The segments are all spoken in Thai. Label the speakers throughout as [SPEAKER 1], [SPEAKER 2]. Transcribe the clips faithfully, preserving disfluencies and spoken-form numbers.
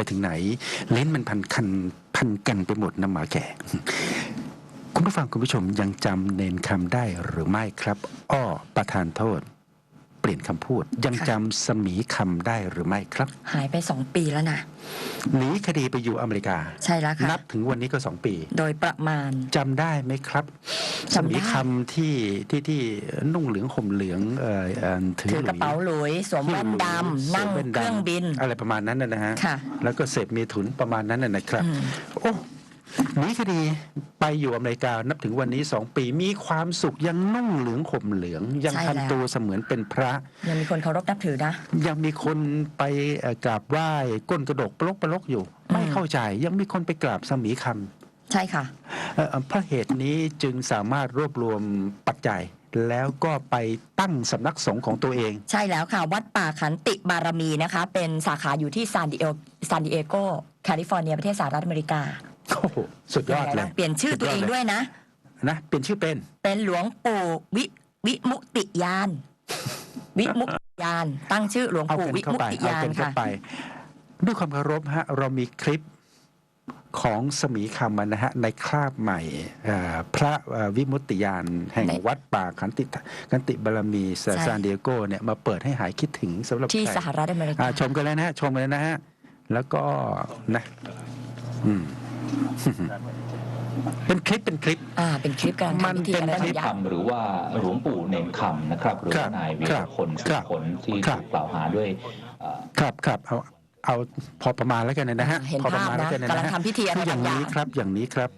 [SPEAKER 1] ถึงไหนเล่นมันพันคันพันกันไปหมดนะหมาแก่คุณผู้ฟังคุณผู้ชมยังจำเนนคำได้หรือไม่ครับอ้อประทานโทษเปลี่ยนคำพูดยังจำสมีคำได้หรือไม่ครับ
[SPEAKER 2] หายไปสองปีแล้วนะ
[SPEAKER 1] หนีคดีไปอยู่อเมริกา
[SPEAKER 2] ใช่แล้วค่ะ
[SPEAKER 1] นับถึงวันนี้ก็สองปี
[SPEAKER 2] โดยประมาณ
[SPEAKER 1] จำได้ไหมครับสมีคำที่ที่ที่นุ่งเหลืองห่มเหลืองเอ่อถื
[SPEAKER 2] อกระเป๋าหลุยสวมแว่นดำนั่งเครื่องบิน
[SPEAKER 1] อะไรประมาณนั้นนะฮะแล้วก็เสพเมถุนประมาณนั้นนะครับโอ้หนีคดีไปอยู่อเมริกานับถึงวันนี้สองปีมีความสุขยังนุ่งเหลืองห่มเหลืองยังทำตัวเสมือนเป็นพระ
[SPEAKER 2] ยังมีคนเคารพนับถือนะ
[SPEAKER 1] ยังมีคนไปกราบไหว้ก้นกระดกปลกปลกอยู่ไม่เข้าใจยังมีคนไปกราบสมีค
[SPEAKER 2] ำใช่ค่ะ
[SPEAKER 1] เพราะเหตุนี้จึงสามารถรวบรวมปัจจัยแล้วก็ไปตั้งสำนักสงฆ์ของตัวเอง
[SPEAKER 2] ใช่แล้วค่ะวัดป่าขันติบารมีนะคะเป็นสาขาอยู่ที่ซานดิเอซานดิเอโกแคลิฟอร์เนียประเทศสหรัฐอเมริกา
[SPEAKER 1] โอ้โหสุดยอดเลย
[SPEAKER 2] เปลี่ยนชื่อตัวเองด้วยนะ
[SPEAKER 1] นะเปลี่ยนชื่อเป็น
[SPEAKER 2] เป็นหลวงปู่วิวิมุตติยานวิมุตติยานตั้งชื่อหลวงปู่วิมุตติยานค่ะ
[SPEAKER 1] ด้วยความเคารพฮะเรามีคลิปของสมีคำนะฮะในคราบใหม่พระวิมุตติยานแห่งวัดป่าขันติขันติบารมีซานดิเอโกเนี่ยมาเปิดให้หายคิดถึงสำหรับ
[SPEAKER 2] ที่สหรัฐอเมริกา
[SPEAKER 1] ชมกันแล้วนะฮะชมกันแล้วนะฮะแล้วก็นะอืมเป็นคลิปเป็นคลิป
[SPEAKER 2] อ่าเป็นคลิปการ
[SPEAKER 1] ทำพิธี
[SPEAKER 3] กันได้คำหรือว่าหลวงปู่เนนคำนะครับหรือว่านายวีรพลสุขผลที่ถูกกล่าวหาด้วย
[SPEAKER 1] ครับครับเอาเอาพอประมาณแล้วกันนะฮะ
[SPEAKER 2] พอประมาณแล้วกันนะกำลังทำพิธีอะไร
[SPEAKER 1] อย่างนี้ครับอย่างนี้ครับ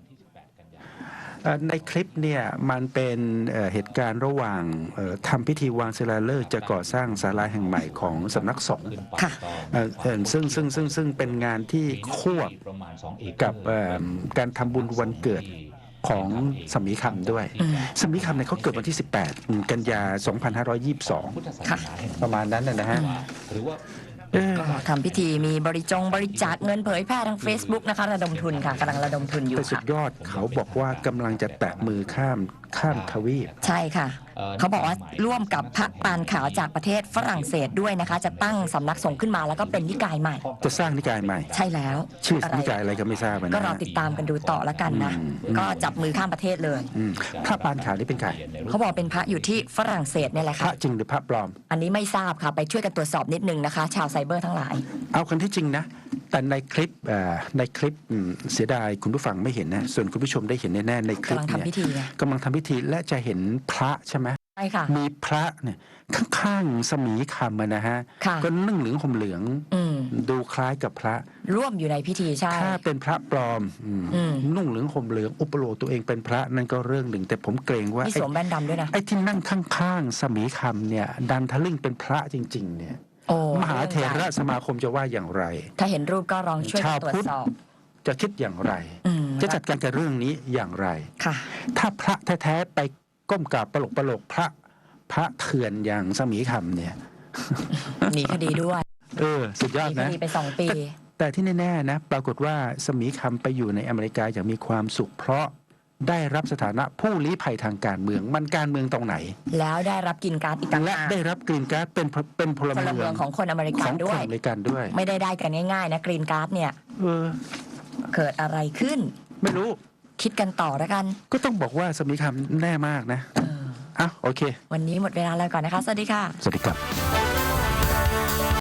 [SPEAKER 1] ในคลิปเนี่ยมันเป็นเหตุการณ์ระหว่างทำพิธีวางศิลาฤกษ์จะก่อสร้างศาลาแห่งใหม่ของสำนักสงฆ์ซึ่งซึ่งซึ่งซึ่งเป็นงานที่ควบกับการทำบุญวันเกิดของสมีคำด้วยสมีคำเนี่ยเขาเกิดวันที่สิบแปดกันยาสองพันห้าร้อยยี่สิบสองประมาณนั้นนะฮะ
[SPEAKER 2] ก็ทำพิธีมีบริจงบริจาคเงินเผยแพร่ทาง Facebook นะคะระดมทุนค่ะกำลังระดมทุนอยู่ค่ะ
[SPEAKER 1] สุดยอดเขาบอกว่ากำลังจะแตะมือข้ามข้ามทวีป
[SPEAKER 2] ใช่ค่ะเขาบอกว่าร่วมกับพระปานขาวจากประเทศฝรั่งเศสด้วยนะคะจะตั้งสำนักสงฆ์ขึ้นมาแล้วก็เป็นนิกายใหม่
[SPEAKER 1] จะสร้างนิกายใหม่
[SPEAKER 2] ใช่แล้ว
[SPEAKER 1] ชื่อนิกายอะไรก็ไม่ทราบนะ
[SPEAKER 2] ก็รอติดตามกันดูต่อแล้วกันนะก็จับมือข้ามประเทศเลย
[SPEAKER 1] พระปานขาวนี่เป็นใคร
[SPEAKER 2] เขาบอกเป็นพระอยู่ที่ฝรั่งเศสเนี่ยแหละค่ะ
[SPEAKER 1] พระจริงหรือพระปลอม
[SPEAKER 2] อันนี้ไม่ทราบค่ะไปช่วยกันตรวจสอบนิดนึงนะคะชาวไซเบอร์ทั้งหลาย
[SPEAKER 1] เอากันที่จริงนะแต่ในคลิปในคลิปเสียดายคุณผู้ฟังไม่เห็นนะส่วนคุณผู้ชมได้เห็นแน่ๆในคลิปเนี่ยกำลังทำพิธีและจะเห็นพระใช่ไหม
[SPEAKER 2] ใช่ค่ะ
[SPEAKER 1] มีพระเนี่ยข้างๆสมีคำนะฮะก็นึ่งเหลืองห่มเหลืองดูคล้ายกับพระ
[SPEAKER 2] ร่วมอยู่ในพิธีใช่
[SPEAKER 1] ถ้าเป็นพระปลอมนุ่งเหลืองห่มเหลืองอุปโลกตัวเองเป็นพระนั่นก็เรื่องหนึ่งแต่ผมเกรงว่า
[SPEAKER 2] ไอ้สวมแว่นดำด้วยนะ
[SPEAKER 1] ไอ้ที่นั่งข้างๆสมีคำเนี่ยดันทะลึ่งเป็นพระจริงๆเนี่ยมหาเถรสมาคมจะว่าอย่างไร
[SPEAKER 2] ถ้าเห็นรูปก็ลองช่วยตรวจสอบ
[SPEAKER 1] จะคิดอย่างไรจะจัดการกับเรื่องนี้อย่างไรถ้าพระแท้ๆไปก้มกราบปลกปลกพระพระเถื่อนอย่างสมีคำเนี่ย
[SPEAKER 2] หนีคดีด้วย
[SPEAKER 1] เออสุดยอดนะ
[SPEAKER 2] หนีคดีไปสองปี
[SPEAKER 1] แต่ที่แน่ๆนะปรากฏว่าสมีคำไปอยู่ในอเมริกาอย่างมีความสุขเพราะได้รับสถานะผู้ลี้ภัยทางการเมืองมันการเมืองตรงไหน
[SPEAKER 2] แล้วได้รับกินการ์ดอีกต่างหาก
[SPEAKER 1] และได้รับกรีนการ์ดเป็นเป็นพลเมือง
[SPEAKER 2] ของคนอเมริกันด้วย
[SPEAKER 1] อเมริกันด้วย
[SPEAKER 2] ไม่ได้ได้กันง่ายๆนะกรีนการ์ดเนี่ย
[SPEAKER 1] เออ
[SPEAKER 2] เกิดอะไรขึ้น
[SPEAKER 1] ไม่รู้
[SPEAKER 2] คิดกันต่อแล้วกัน
[SPEAKER 1] ก็ต้องบอกว่าสมีคำแน่มากนะอ่ะโอเค
[SPEAKER 2] วันนี้หมดเวลาแล้วก่อนนะคะสวัสดีค่ะ
[SPEAKER 1] สวัสดีครับ